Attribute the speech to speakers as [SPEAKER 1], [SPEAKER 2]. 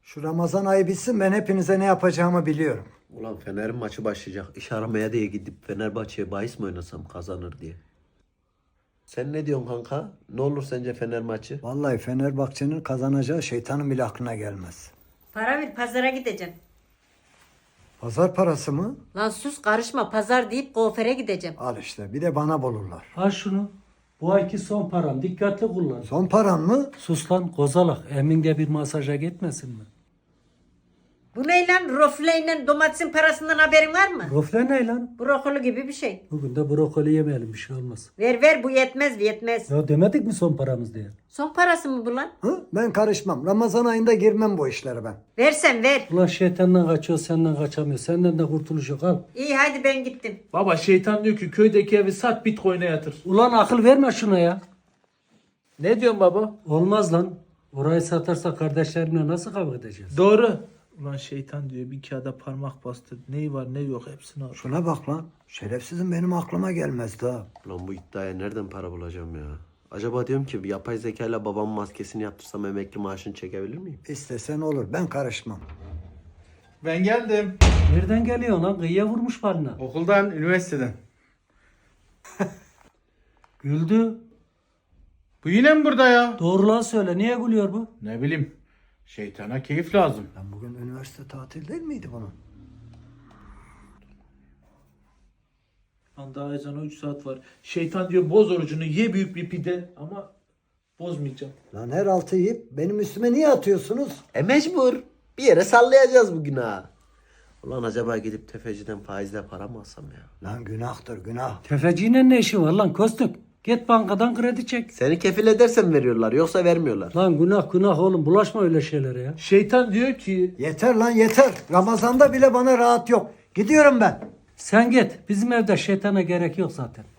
[SPEAKER 1] Şu Ramazan ayı bitsin, ben hepinize ne yapacağımı biliyorum.
[SPEAKER 2] Ulan Fener'in maçı başlayacak. İş aramaya diye gidip Fenerbahçe'ye bahis mi oynasam kazanır diye. Sen ne diyorsun kanka? Ne olur sence Fener maçı?
[SPEAKER 1] Vallahi Fenerbahçe'nin kazanacağı şeytanın bile aklına gelmez.
[SPEAKER 3] Para ver, pazara gideceğim.
[SPEAKER 1] Pazar parası mı?
[SPEAKER 3] Lan sus, karışma, pazar deyip kuaföre gideceğim.
[SPEAKER 1] Al işte, bir de bana bulurlar.
[SPEAKER 4] Al şunu. Bu ayki son param. Dikkatli kullan.
[SPEAKER 1] Son paran mı?
[SPEAKER 4] Sus lan kozalak. Emin de bir masaja gitmesin mi?
[SPEAKER 3] Bu ne lan? Rofleyle domatesin parasından haberin var mı?
[SPEAKER 4] Rofle ne lan?
[SPEAKER 3] Brokoli gibi bir şey.
[SPEAKER 4] Bugün de brokoli yemeyelim, bir şey olmaz.
[SPEAKER 3] Ver bu yetmez.
[SPEAKER 4] Ya demedik mi son paramız diye?
[SPEAKER 3] Son parası mı bu lan?
[SPEAKER 1] Hı? Ben karışmam. Ramazan ayında girmem bu işlere ben.
[SPEAKER 3] Versen ver.
[SPEAKER 4] Ulan şeytandan kaçıyor, senden kaçamıyor. Senden de kurtuluş yok, al.
[SPEAKER 3] İyi hadi ben gittim.
[SPEAKER 5] Baba şeytan diyor ki köydeki evi sat Bitcoin'e yatır.
[SPEAKER 4] Ulan akıl verme şuna ya.
[SPEAKER 5] Ne diyorsun baba?
[SPEAKER 4] Olmaz lan. Orayı satarsa kardeşlerimle nasıl kavga edeceğiz?
[SPEAKER 5] Doğru. Ulan şeytan diyor bir kağıda parmak bastı. Neyi var ne yok hepsini al.
[SPEAKER 1] Şuna bak lan. Şerefsizim benim aklıma gelmezdi ha.
[SPEAKER 2] Ulan bu iddiaya nereden para bulacağım ya? Acaba diyorum ki bir yapay zekayla babamın maskesini yaptırsam emekli maaşını çekebilir miyim?
[SPEAKER 1] İstesen olur. Ben karışmam.
[SPEAKER 6] Ben geldim.
[SPEAKER 4] Nereden geliyor lan? Kıyıya vurmuş balına.
[SPEAKER 6] Okuldan, üniversiteden.
[SPEAKER 4] Güldü.
[SPEAKER 6] Bu yine mi burada ya?
[SPEAKER 4] Doğrulan söyle. Niye gülüyor bu?
[SPEAKER 6] Ne bileyim. Şeytana keyif lazım.
[SPEAKER 1] Lan bugün üniversite tatil değil miydi bunun?
[SPEAKER 5] Lan daha ezana 3 saat var. Şeytan diyor boz orucunu ye büyük bir pide ama bozmayacağım.
[SPEAKER 1] Lan her altı yiyip benim üstüme niye atıyorsunuz?
[SPEAKER 2] Mecbur. Bir yere sallayacağız bugün ha. Ulan acaba gidip tefeciden faizle para mı alsam ya?
[SPEAKER 1] Lan günahtır günah.
[SPEAKER 4] Tefeciyle ne işi var lan Kostuk? Git bankadan kredi çek.
[SPEAKER 2] Seni kefil edersen veriyorlar yoksa vermiyorlar.
[SPEAKER 4] Lan günah oğlum, bulaşma öyle şeylere ya.
[SPEAKER 5] Şeytan diyor ki
[SPEAKER 1] Yeter lan yeter. Ramazan'da bile bana rahat yok. Gidiyorum ben.
[SPEAKER 4] Sen git. Bizim evde şeytana gerek yok zaten.